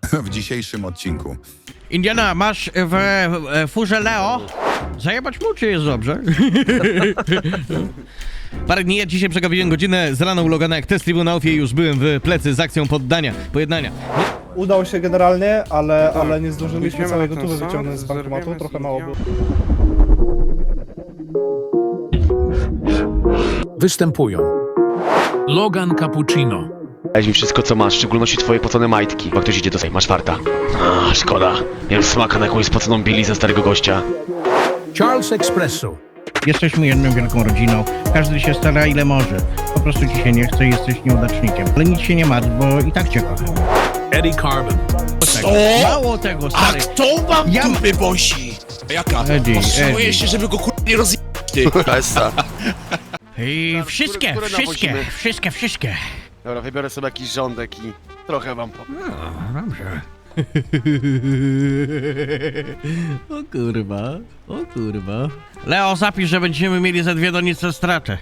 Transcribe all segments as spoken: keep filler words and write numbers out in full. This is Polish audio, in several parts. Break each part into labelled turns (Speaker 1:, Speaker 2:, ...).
Speaker 1: w dzisiejszym odcinku.
Speaker 2: Indiana, masz w, w furze Leo? Zajebać mu, czy jest dobrze? Parę dni, ja dzisiaj przegapiłem godzinę z rana u Logana jak test tribunałów i już byłem w plecy z akcją poddania, pojednania.
Speaker 3: Udało się generalnie, ale, ale nie zdążyliśmy całego tuby wyciągnąć z bankomatu, trochę mało było.
Speaker 4: Występują Logan Cappuccino,
Speaker 5: Daj mi wszystko co masz, w szczególności twoje pocone majtki, bo ktoś idzie do tej, masz farta. A, szkoda. Miałem smaka na jakąś spoconą bielizę starego gościa.
Speaker 4: Charles Espresso,
Speaker 2: Jesteśmy jedną wielką rodziną, każdy się stara ile może. Po prostu ci się nie chce i jesteś nieudacznikiem. Ale nic się nie martw, bo i tak cię kocham.
Speaker 4: Eddie Carbon,
Speaker 2: Co? Mało tego,
Speaker 6: A
Speaker 2: stary.
Speaker 6: kto wam
Speaker 2: Ja-
Speaker 6: dupy bosi? Jaka?
Speaker 2: Eddie,
Speaker 6: Powstrzymuję
Speaker 2: Eddie.
Speaker 6: się, żeby go kurwa nie rozjebać, ty.
Speaker 2: I wszystkie,
Speaker 5: które
Speaker 2: wszystkie,
Speaker 5: nawozimy?
Speaker 2: wszystkie, wszystkie.
Speaker 5: Dobra, wybiorę sobie jakiś rządek i trochę wam po...
Speaker 2: No, dobrze. O kurwa, o kurwa. Leo, zapisz, że będziemy mieli ze dwie donice stratę.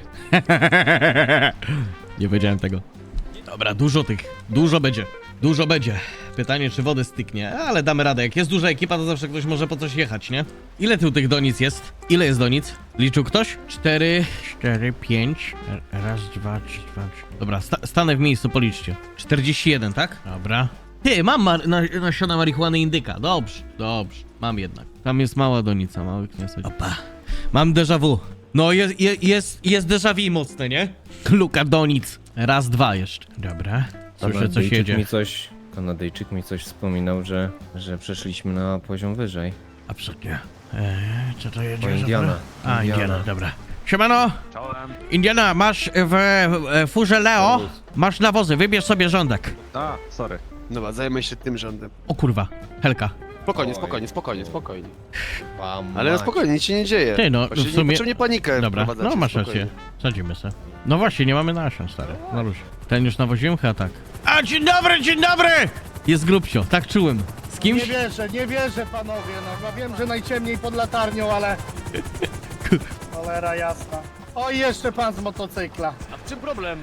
Speaker 2: Nie wiedziałem tego. Dobra, dużo tych, dużo będzie, dużo będzie. Pytanie, czy wody styknie, ale damy radę. Jak jest duża ekipa, to zawsze ktoś może po coś jechać, nie? Ile tu tych donic jest? Ile jest donic? Liczył ktoś? Cztery, cztery, pięć. Raz, dwa, trzy, dwa, trzy. Dobra, sta stanę w miejscu, policzcie. czterdzieści jeden, tak? Dobra. Ty, mam mar na nasiona marihuany indyka. Dobrze, dobrze. Mam jednak. Tam jest mała donica, mały kniasek. Opa. Mam déjà vu. No, jest, jest, jest, jest déjà vu mocne, nie? Luka donic. Raz, dwa jeszcze. Dobra. Słyszę, coś
Speaker 7: Kanadyjczyk
Speaker 2: jedzie.
Speaker 7: mi coś, Kanadyjczyk mi coś wspominał, że, że przeszliśmy na poziom wyżej.
Speaker 2: Absolutnie. Eee, co to jedzie?
Speaker 7: O,
Speaker 2: za
Speaker 7: Indiana.
Speaker 2: to? A, Indiana,
Speaker 7: Indiana.
Speaker 2: dobra. Siemano! Indiana, masz w, w furze Leo, masz nawozy, wybierz sobie rządek.
Speaker 5: A, sorry. Dobra, zajmę się tym rządem.
Speaker 2: O kurwa, Helka.
Speaker 5: Spokojnie,
Speaker 7: Oj.
Speaker 5: spokojnie, spokojnie, spokojnie.
Speaker 7: Pam,
Speaker 5: Ale no spokojnie, nic się nie dzieje.
Speaker 2: Ty, no,
Speaker 5: Właśnie
Speaker 2: w sumie-
Speaker 5: niepotrzebnie panikę
Speaker 2: Dobra,
Speaker 5: wprowadzacie,
Speaker 2: no masz
Speaker 5: spokojnie.
Speaker 2: rację. Sadzimy se. No właśnie, nie mamy nasion, stary. No rusz. Ten już nawoziłem chyba tak. A, dzień dobry, dzień dobry! Jest grubsio, tak czułem. Z kimś?
Speaker 3: Nie wierzę, nie wierzę panowie, no, no wiem, że najciemniej pod latarnią, ale... Cholera jasna. O, i jeszcze pan z motocykla.
Speaker 5: A w czym problem?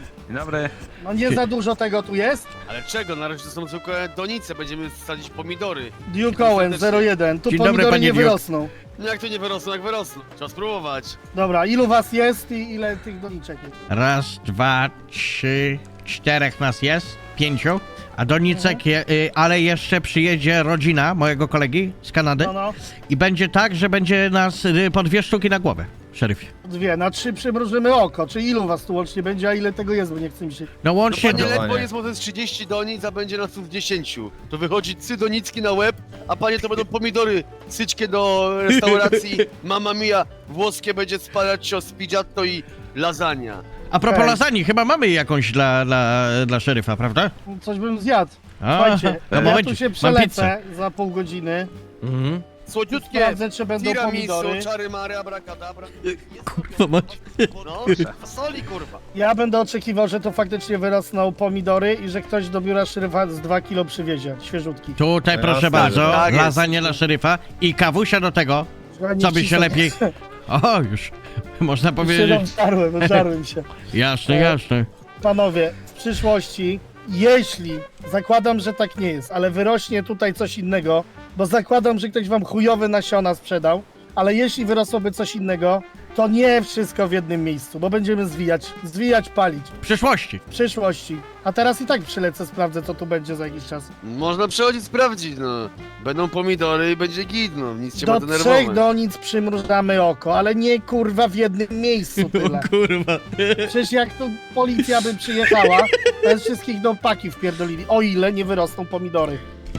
Speaker 3: No nie za dużo tego tu jest?
Speaker 5: Ale czego? Na razie to są zwykłe donice, będziemy sadzić pomidory.
Speaker 3: Duke Owen zero jeden, tu
Speaker 2: Dzień dobry,
Speaker 3: pomidory
Speaker 2: panie
Speaker 3: nie
Speaker 2: Duke.
Speaker 3: wyrosną.
Speaker 5: No jak to nie wyrosną, jak wyrosną? Trzeba spróbować.
Speaker 3: Dobra, ilu was jest i ile tych doniczek jest?
Speaker 2: Raz, dwa, trzy, czterech nas jest, pięciu. A do Nicek, je, y, ale jeszcze przyjedzie rodzina mojego kolegi z Kanady
Speaker 3: No, no,
Speaker 2: i będzie tak, że będzie nas y, po dwie sztuki na głowę, szeryfie.
Speaker 3: dwie, na trzy przymrużymy oko, czy ilu was tu łącznie będzie, a ile tego jest, bo nie chce mi się...
Speaker 2: No
Speaker 5: No
Speaker 2: łącznie
Speaker 5: panie
Speaker 2: do...
Speaker 7: Panie-
Speaker 5: ledwo jest może z trzydzieści donic, a będzie nas tu z dziesięciu. To wychodzi trzy donicki na łeb, a panie to będą pomidory. Syćkie do restauracji Mamma Mia. Włoskie będzie spalaccio, spiggiatto i lasagna.
Speaker 2: A propos
Speaker 3: Okej.
Speaker 2: lasagne, chyba mamy jakąś dla, dla, dla szeryfa, prawda?
Speaker 3: Coś bym zjadł.
Speaker 2: A,
Speaker 3: Słuchajcie,
Speaker 2: no
Speaker 3: ja
Speaker 2: momencik,
Speaker 3: tu się
Speaker 2: mam
Speaker 3: przelecę
Speaker 2: pizzę.
Speaker 3: za pół godziny.
Speaker 7: Mhm.
Speaker 5: Słodziutkie,
Speaker 3: Sprawdzę, czy będą
Speaker 5: tiramisu,
Speaker 3: pomidory.
Speaker 5: czary mary, abracadabra.
Speaker 2: Kurwa mać.
Speaker 5: No, fasoli kurwa.
Speaker 3: Ja będę oczekiwał, że to faktycznie wyrosną pomidory i że ktoś do biura szeryfa z dwa kilo przywiezie, świeżutki.
Speaker 2: Tutaj proszę
Speaker 7: Jasne,
Speaker 2: bardzo,
Speaker 5: tak jest.
Speaker 2: lasagne dla szeryfa i kawusia do tego, co by się lepiej... O, już, można
Speaker 3: Się
Speaker 2: powiedzieć.
Speaker 3: żarłem, żarłem się.
Speaker 2: Jasne, jasne.
Speaker 3: Panowie, w przyszłości, jeśli, zakładam, że tak nie jest, ale wyrośnie tutaj coś innego, bo zakładam, że ktoś wam chujowe nasiona sprzedał, ale jeśli wyrosłoby coś innego, to nie wszystko w jednym miejscu, bo będziemy zwijać, zwijać, palić
Speaker 2: W przyszłości.
Speaker 3: w przyszłości. A teraz i tak przylecę, sprawdzę, co tu będzie za jakiś czas.
Speaker 5: Można przychodzić sprawdzić, no. Będą pomidory i będzie git, no. Nic się ma
Speaker 3: Do
Speaker 5: denerwować.
Speaker 3: trzech donic przymrużamy oko, ale nie kurwa w jednym miejscu tyle.
Speaker 2: Kurwa.
Speaker 3: Przecież jak tu policja by przyjechała, to jest wszystkich do paki wpierdolili, o ile nie wyrosną pomidory.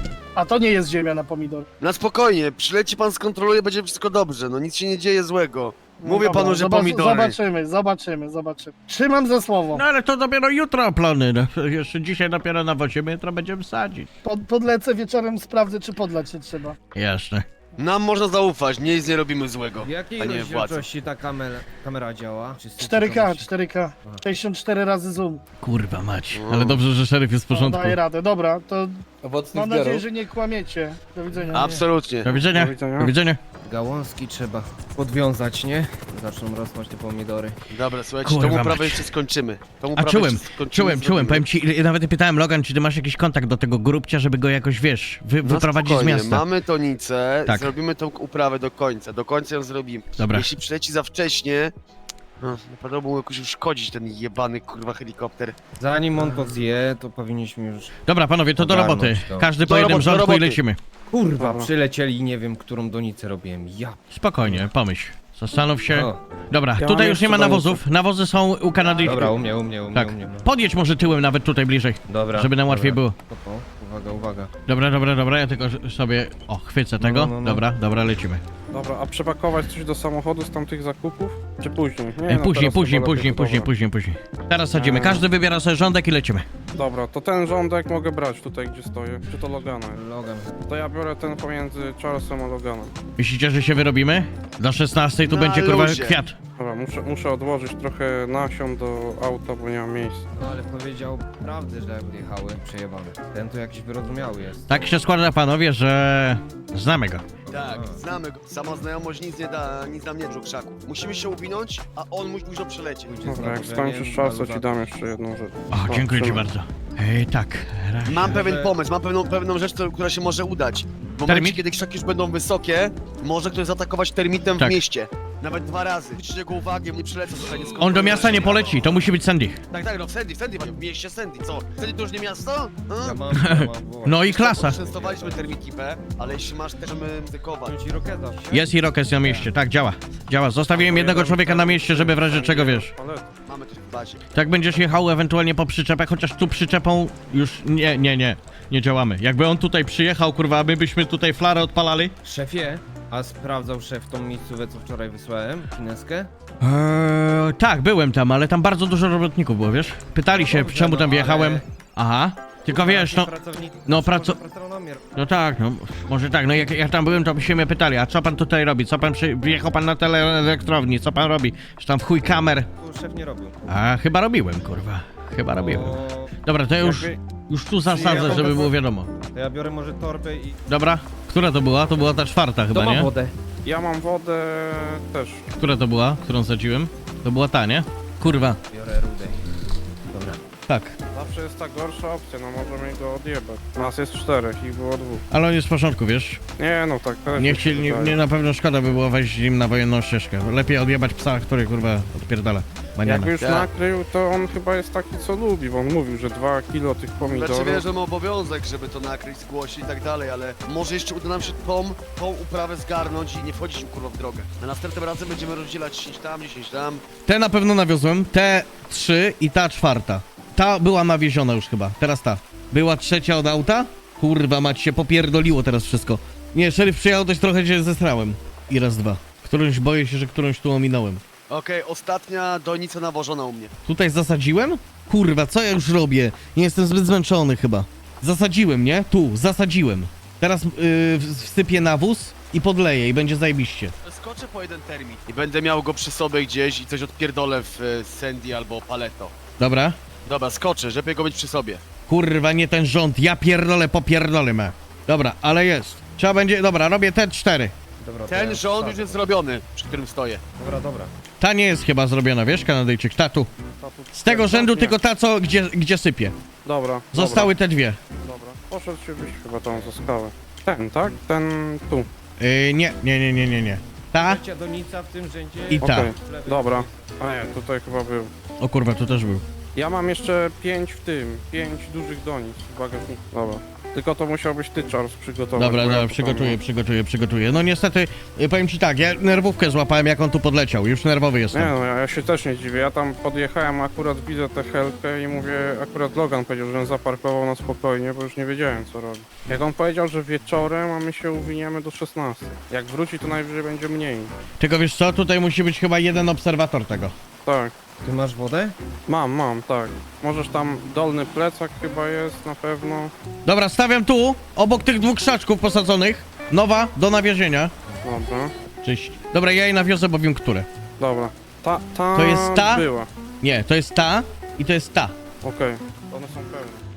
Speaker 3: A to nie jest ziemia na pomidory.
Speaker 5: Na spokojnie, przyleci pan, skontroluje, będzie wszystko dobrze, no nic się nie dzieje złego.
Speaker 3: No
Speaker 5: Mówię
Speaker 3: dobra,
Speaker 5: panu, że
Speaker 3: zobac-
Speaker 5: pomidory.
Speaker 3: Zobaczymy, zobaczymy, zobaczymy. Trzymam za słowo.
Speaker 2: No ale to dopiero jutro plony, no. Jeszcze dzisiaj dopiero nawozimy, jutro będziemy sadzić.
Speaker 3: Pod, podlecę wieczorem, sprawdzę, czy podlać się trzeba.
Speaker 2: Jasne.
Speaker 5: Nam można zaufać, nic nie robimy złego.
Speaker 7: W jakiej
Speaker 5: A nie władzy.
Speaker 7: rozdzielczości ta kamera, kamera działa? Czy
Speaker 3: cztery K, cztery K, sześćdziesiąt cztery razy zoom.
Speaker 2: Kurwa mać. Ale dobrze, że szeryf jest w
Speaker 3: No,
Speaker 2: porządku.
Speaker 3: daję radę, dobra, to
Speaker 1: Owocnych
Speaker 3: Mam nadzieję,
Speaker 1: zbiorów.
Speaker 3: że nie kłamiecie. Do widzenia.
Speaker 5: Absolutnie.
Speaker 2: Do widzenia.
Speaker 1: Do widzenia.
Speaker 2: Do widzenia.
Speaker 7: Gałązki trzeba podwiązać, nie? Zaczną rosnąć te pomidory.
Speaker 5: Dobra, słuchajcie,
Speaker 2: Kurwa
Speaker 5: tą
Speaker 2: mać.
Speaker 5: uprawę jeszcze skończymy. Tą
Speaker 2: A
Speaker 5: uprawę
Speaker 2: czułem,
Speaker 5: jeszcze skończymy,
Speaker 2: czułem, czułem,
Speaker 5: zrobimy.
Speaker 2: powiem ci, nawet pytałem Logan, czy ty masz jakiś kontakt do tego grubcia, żeby go jakoś, wiesz, wy,
Speaker 5: No
Speaker 2: wyprowadzić z
Speaker 5: spokojnie,
Speaker 2: miasta.
Speaker 5: mamy tonicę,
Speaker 2: Tak.
Speaker 5: zrobimy tą uprawę do końca, do końca ją zrobimy.
Speaker 2: Dobra.
Speaker 5: Jeśli przyleci za wcześnie, no, naprawdę mógł jakoś uszkodzić ten jebany kurwa helikopter.
Speaker 7: Zanim on to zje, to powinniśmy już...
Speaker 2: Dobra, panowie, to do
Speaker 7: Ogarnąć
Speaker 2: roboty.
Speaker 7: to.
Speaker 2: Każdy po
Speaker 5: Do
Speaker 2: jednym
Speaker 5: roboty, do
Speaker 2: rządku i
Speaker 5: roboty.
Speaker 2: lecimy.
Speaker 7: Kurwa,
Speaker 1: Dobra.
Speaker 7: przylecieli i nie wiem, którą donicę robiłem. Ja...
Speaker 2: Spokojnie, pomyśl. Zastanów się.
Speaker 7: O,
Speaker 2: Dobra,
Speaker 1: Ja
Speaker 2: tutaj
Speaker 1: mam
Speaker 2: już nie
Speaker 1: jeszcze
Speaker 2: ma
Speaker 1: donicę.
Speaker 2: nawozów. Nawozy są u Kanadyjczyków.
Speaker 7: dobra, u mnie, u mnie, u mnie,
Speaker 2: Tak.
Speaker 7: u mnie. No.
Speaker 2: Podjedź może tyłem nawet tutaj bliżej,
Speaker 7: Dobra.
Speaker 2: żeby nam łatwiej
Speaker 7: dobra.
Speaker 2: było.
Speaker 7: Spoko. Uwaga, uwaga.
Speaker 2: Dobra, dobra, dobra, ja tylko sobie, o, chwycę tego.
Speaker 7: no, no, no.
Speaker 2: Dobra, dobra, lecimy.
Speaker 1: Dobra, a przepakować coś do samochodu z tamtych zakupów? Czy później? Nie,
Speaker 2: E,
Speaker 1: no
Speaker 2: później,
Speaker 1: teraz
Speaker 2: później,
Speaker 1: chyba
Speaker 2: później,
Speaker 1: lepiej,
Speaker 2: później,
Speaker 1: dobra.
Speaker 2: później, później. Teraz sadzimy.
Speaker 1: Eee.
Speaker 2: Każdy wybiera sobie rządek i lecimy.
Speaker 1: Dobra, to ten rządek mogę brać tutaj, gdzie stoję. Czy to Logana?
Speaker 7: Logan.
Speaker 1: To ja biorę ten pomiędzy Charlesem a Loganem.
Speaker 2: Myślicie, że się wyrobimy? Do szesnastej tu
Speaker 5: Na
Speaker 2: będzie kurwa
Speaker 5: luzie.
Speaker 2: kwiat.
Speaker 1: Dobra, muszę, muszę odłożyć trochę nasion do auta, bo nie mam miejsca.
Speaker 7: No ale powiedział prawdę, że jak jechały, przejebane. Ten to jakiś wyrozumiały jest.
Speaker 2: Tak się składa, panowie, że znamy go.
Speaker 5: Tak, znamy go. Sama znajomość nic nie da, nic nam nie dżu krzaku. Musimy się uwinąć, a on musi później przelecieć.
Speaker 7: Pójdzie
Speaker 1: Dobra, jak
Speaker 7: znowu,
Speaker 1: skończysz
Speaker 7: nie?
Speaker 1: czas, to ci
Speaker 7: Baluza.
Speaker 1: dam jeszcze jedną rzecz.
Speaker 2: O, dziękuję ci
Speaker 1: trzymaj.
Speaker 2: bardzo. Ej, tak. raz.
Speaker 5: Mam pewien
Speaker 7: że-
Speaker 5: pomysł, mam pewną, pewną rzecz, co- która się może udać. W momencie,
Speaker 2: Termit?
Speaker 5: kiedy krzaki już będą wysokie, może ktoś zaatakować termitem
Speaker 2: Tak.
Speaker 5: w mieście. Nawet dwa razy. Zwróćcie jego uwagę, nie przylecę tutaj, nie
Speaker 2: On do miasta nie poleci, to musi być Sandy.
Speaker 5: Tak, tak, no w Sandy, w Sandy, panie, w mieście Sandy, co? Sandy to już nie miasto? A?
Speaker 7: Ja mam, ja mam wołać.
Speaker 2: No i klasa.
Speaker 5: Częstowaliśmy termiki P, ale jeśli masz też, możemy ryzykować.
Speaker 7: Ci Roketa.
Speaker 2: Jest i Rokes na mieście, tak, działa. Działa. Zostawiłem jednego człowieka na mieście, żeby w razie czego, wiesz.
Speaker 1: Ale
Speaker 5: Mamy też w bazie.
Speaker 2: Tak będziesz jechał ewentualnie po przyczepę, chociaż tu przyczepą już nie, nie, nie. Nie działamy. Jakby on tutaj przyjechał, kurwa, a my byśmy tutaj flarę odpalali.
Speaker 7: Szefie, a sprawdzał szef tą miejscówę, co wczoraj wysłałem? Kineskę?
Speaker 2: Eee, tak, byłem tam, ale tam bardzo dużo robotników było, wiesz? Pytali się,
Speaker 7: Dobrze,
Speaker 2: czemu
Speaker 7: no,
Speaker 2: tam wjechałem.
Speaker 7: ale-
Speaker 2: Aha. Tylko wiesz, no,
Speaker 7: Pracownicy,
Speaker 2: no, praco-
Speaker 7: pracownomier.
Speaker 2: no tak, no, może tak, no jak ja tam byłem, to by się mnie pytali, a co pan tutaj robi? Co pan przy... Wjechał pan na teleelektrowni, co pan robi? Że tam w chuj kamer.
Speaker 7: Tu szef nie robił.
Speaker 2: A, chyba robiłem, kurwa. Chyba robiłem.
Speaker 7: O,
Speaker 2: Dobra, to ja już,
Speaker 1: jakby-
Speaker 2: już tu zasadzę, żeby było wiadomo.
Speaker 7: to ja biorę może torbę i...
Speaker 2: Dobra, która to była? To była ta czwarta chyba, nie?
Speaker 7: wodę.
Speaker 1: ja mam wodę też.
Speaker 2: Która to była, którą sadziłem? To była ta, nie? Kurwa,
Speaker 7: Biorę rudę. Dobra.
Speaker 2: tak.
Speaker 1: Zawsze jest ta gorsza opcja, no możemy go odjebać. Nas jest czterech, ich było dwóch.
Speaker 2: Ale on jest w porządku, wiesz?
Speaker 1: Nie no, tak też
Speaker 2: Nie
Speaker 1: mi się
Speaker 2: chcieli, nie,
Speaker 1: wydaje.
Speaker 2: nie na pewno szkoda by było wejść im na wojenną ścieżkę. Lepiej odjebać psa, który kurwa odpierdala. Maniana.
Speaker 1: Jakby już
Speaker 5: Tak.
Speaker 1: nakrył, to on chyba jest taki, co lubi, bo on mówił, że dwa kilo tych pomidorów...
Speaker 5: Znaczy wiesz, że mamy obowiązek, żeby to nakryć, zgłosić i tak dalej, ale może jeszcze uda nam się tą, tą uprawę zgarnąć i nie wchodzić im kurwa w drogę. Na następnym razem będziemy rozdzielać dziesięć tam, dziesięć tam.
Speaker 2: Te na pewno nawiozłem, te trzy i ta czwarta. Ta była nawieziona już chyba, teraz ta. Była trzecia od auta? Kurwa mać się popierdoliło teraz wszystko. Nie, szeryf przyjechał, też trochę się zesrałem. I raz, dwa. Którąś boję się, że którąś tu ominąłem.
Speaker 5: Okej, ostatnia donica nawożona u mnie.
Speaker 2: Tutaj zasadziłem? Kurwa, co ja już robię? Nie jestem zbyt zmęczony chyba. Zasadziłem, nie? Tu, zasadziłem. Teraz yy, wsypię nawóz i podleję i będzie zajebiście.
Speaker 5: Skoczę po jeden termin i będę miał go przy sobie gdzieś i coś odpierdolę w e, Sandy albo Paleto.
Speaker 2: Dobra?
Speaker 5: Dobra, skoczę, żeby go mieć przy sobie.
Speaker 2: Kurwa, nie ten rząd, ja pierdolę, popierdolę me. Dobra, ale jest. Trzeba będzie, dobra, robię te cztery.
Speaker 7: Dobra, to
Speaker 5: Ten
Speaker 7: ja
Speaker 5: rząd
Speaker 7: wsadzę.
Speaker 5: już jest zrobiony, przy którym stoję.
Speaker 7: Dobra, dobra.
Speaker 2: Ta nie jest chyba zrobiona, wiesz, Kanadyjczyk, ta tu. Z tego rzędu
Speaker 1: Nie.
Speaker 2: tylko ta, co, gdzie, gdzie sypie.
Speaker 1: Dobra,
Speaker 2: Zostały te dwie.
Speaker 1: Dobra, dobra. Poszedł się byś chyba tam za skałę. Ten, tak? Ten tu.
Speaker 2: Yy, nie, nie, nie, nie, nie, nie. Ta
Speaker 7: Trzecia donica w tym rzędzie.
Speaker 2: i ta.
Speaker 1: Okej, dobra. A nie, tutaj chyba był.
Speaker 2: O kurwa, tu też był.
Speaker 1: Ja mam jeszcze pięć w tym, pięć dużych donic w bagażniku. Dobra. Tylko to musiał być ty, Charles, przygotować.
Speaker 2: Dobra,
Speaker 1: bo ja
Speaker 2: dobra,
Speaker 1: to
Speaker 2: przygotuję,
Speaker 1: tam-
Speaker 2: przygotuję, przygotuję. No niestety, y, powiem ci tak, ja nerwówkę złapałem, jak on tu podleciał. Już nerwowy
Speaker 1: Nie
Speaker 2: jestem.
Speaker 1: no, ja, ja się też nie dziwię. Ja tam podjechałem, akurat widzę tę helkę i mówię, akurat Logan powiedział, że on zaparkował na spokojnie, bo już nie wiedziałem co robi. Jak on powiedział, że wieczorem, a my się uwiniemy do szesnastej. Jak wróci, to najwyżej będzie mniej.
Speaker 2: Tylko wiesz co, tutaj musi być chyba jeden obserwator tego.
Speaker 1: Tak.
Speaker 7: Ty masz wodę?
Speaker 1: Mam, mam, tak. Możesz tam, dolny plecak chyba jest na pewno.
Speaker 2: Dobra, stawiam tu, obok tych dwóch krzaczków posadzonych. Nowa, do nawiezienia.
Speaker 1: Dobra,
Speaker 2: Cześć. Dobra, ja jej nawiozę, bo wiem, które.
Speaker 1: dobra. Ta, ta
Speaker 2: To jest ta?
Speaker 1: była.
Speaker 2: Nie, to jest ta i to jest ta.
Speaker 1: Okej, one są pełne.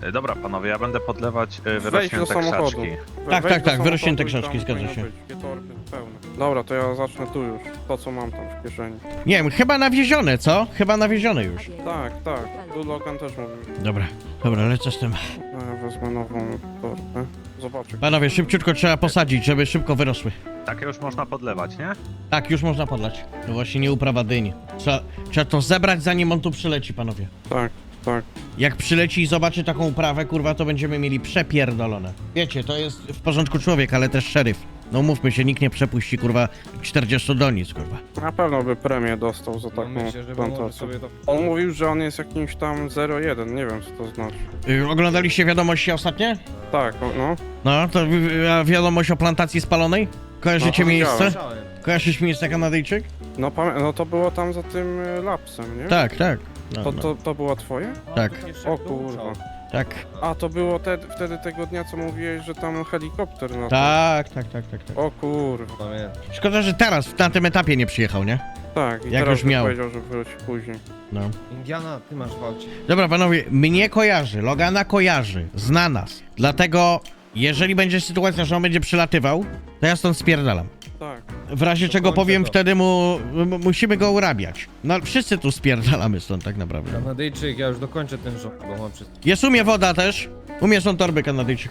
Speaker 8: E, Dobra, panowie, ja będę podlewać e,
Speaker 1: Wejdź do
Speaker 8: wyrośnięte
Speaker 1: samochodu.
Speaker 8: krzaczki.
Speaker 1: We-
Speaker 2: Tak,
Speaker 1: wejdź
Speaker 2: tak,
Speaker 1: do
Speaker 2: tak, wyrośnięte
Speaker 1: samochodu i
Speaker 2: krzaczki,
Speaker 1: tam
Speaker 2: zgadza
Speaker 1: powinno
Speaker 2: się.
Speaker 1: być. Dwie torby pełne. Dobra, to ja zacznę tu już. To, co mam tam w kieszeni.
Speaker 2: Nie wiem, chyba nawiezione, co? Chyba nawiezione już.
Speaker 1: Tak, tak. Tu Logan też mówił.
Speaker 2: Dobra, dobra, lecę z tym.
Speaker 1: Ja wezmę nową torbę. Zobaczę.
Speaker 2: Panowie, szybciutko trzeba posadzić, żeby szybko wyrosły.
Speaker 8: Takie już można podlewać, nie?
Speaker 2: Tak, już można podlać. To właśnie nie uprawa dyni. Trzeba, trzeba to zebrać, zanim on tu przyleci, panowie.
Speaker 1: Tak, tak.
Speaker 2: Jak przyleci i zobaczy taką uprawę, kurwa, to będziemy mieli przepierdolone. Wiecie, to jest w porządku człowiek, ale też szeryf. No mówmy się, nikt nie przepuści, kurwa, czterdzieści donic, kurwa.
Speaker 1: Na pewno by premię dostał za taką
Speaker 7: No myślę, że może
Speaker 1: plantację.
Speaker 7: sobie to...
Speaker 1: On mówił, że on jest jakimś tam zero jeden, nie wiem co to znaczy.
Speaker 2: Y, oglądaliście wiadomości ostatnie?
Speaker 1: Tak, o, no.
Speaker 2: No, to wi- wi- wiadomość o plantacji spalonej? Kojarzycie
Speaker 1: No, to
Speaker 2: miejsce?
Speaker 1: widziałem.
Speaker 2: Kojarzysz miejsce Kanadyjczyk?
Speaker 1: No, pamię- no to było tam za tym y, lapsem, nie?
Speaker 2: Tak, tak. No,
Speaker 1: To,
Speaker 2: no,
Speaker 1: to, to było twoje?
Speaker 2: tak,
Speaker 1: O kurwa.
Speaker 2: tak.
Speaker 1: A to było te, wtedy tego dnia, co mówiłeś, że tam helikopter na
Speaker 2: Tak, tak, tak, tak, tak.
Speaker 1: O kurwa.
Speaker 7: Pamiętam.
Speaker 2: Szkoda, że teraz, na tym etapie nie przyjechał, nie?
Speaker 1: Tak, i
Speaker 2: Jak
Speaker 1: teraz
Speaker 2: już miał.
Speaker 1: powiedział, że wróci później.
Speaker 2: No.
Speaker 7: Indiana, ty masz walczyć.
Speaker 2: Dobra, panowie, mnie kojarzy, Logana kojarzy, zna nas. Dlatego, jeżeli będzie sytuacja, że on będzie przylatywał, to ja stąd spierdalam.
Speaker 1: Tak.
Speaker 2: W razie
Speaker 7: To
Speaker 2: czego
Speaker 7: kończę
Speaker 2: powiem,
Speaker 7: to.
Speaker 2: wtedy mu, m- musimy go urabiać. No, wszyscy tu spierdalamy stąd tak naprawdę.
Speaker 7: Kanadyjczyk, ja już dokończę ten rząd, bo mam wszystko.
Speaker 2: Jest umie woda też. Umie są torby Kanadyjczyk.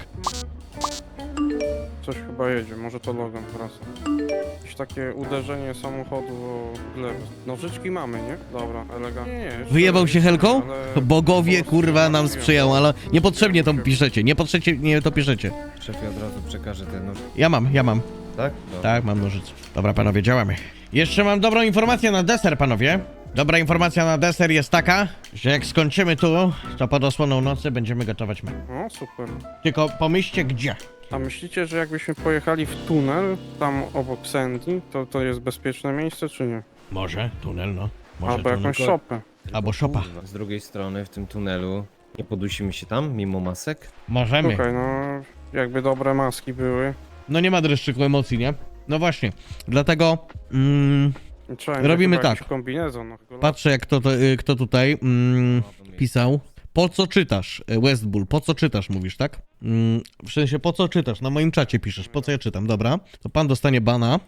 Speaker 1: Coś chyba jedzie, może to Logan wraca. Jakieś takie uderzenie samochodu o glebę. Nożyczki mamy, nie? Dobra, elegancko. Nie, nie, jeszcze-
Speaker 2: Wyjebał się helką?
Speaker 1: ale-
Speaker 2: Bogowie,
Speaker 1: po
Speaker 2: kurwa,
Speaker 1: prostu
Speaker 2: nam
Speaker 1: mówiłem.
Speaker 2: sprzyjał, ale niepotrzebnie to piszecie, niepotrzebnie nie to piszecie.
Speaker 7: Szefie od razu przekażę ten nóż.
Speaker 2: Ja mam, ja mam.
Speaker 7: Tak? Dobra.
Speaker 2: Tak, mam nożyce. Dobra, panowie, działamy. Jeszcze mam dobrą informację na deser, panowie. Dobra informacja na deser jest taka, że jak skończymy tu, to pod osłoną nocy będziemy gotować my.
Speaker 1: No, super.
Speaker 2: Tylko pomyślcie gdzie.
Speaker 1: A myślicie, że jakbyśmy pojechali w tunel, tam obok Sandy, to to jest bezpieczne miejsce, czy nie?
Speaker 2: Może, tunel, no. Może
Speaker 1: Albo
Speaker 2: tunel.
Speaker 1: jakąś
Speaker 7: tylko-
Speaker 1: szopę.
Speaker 2: Albo szopa.
Speaker 7: Kurwa, z drugiej strony, w tym tunelu, nie podusimy się tam, mimo masek?
Speaker 2: Możemy.
Speaker 1: Słuchaj, no, jakby dobre maski były,
Speaker 2: No nie ma dreszczyku emocji, nie? No właśnie. Dlatego mm,
Speaker 1: trzeba
Speaker 2: Robimy
Speaker 1: chyba
Speaker 2: tak.
Speaker 1: jakiś kombinezon. No, tylko-
Speaker 2: patrzę jak to, to, y, kto tutaj mm, pisał. Po co czytasz, y, Westbull? Po co czytasz, mówisz, tak? Mm, w sensie, po co czytasz? Na moim czacie piszesz, po co ja czytam, dobra. To pan dostanie bana.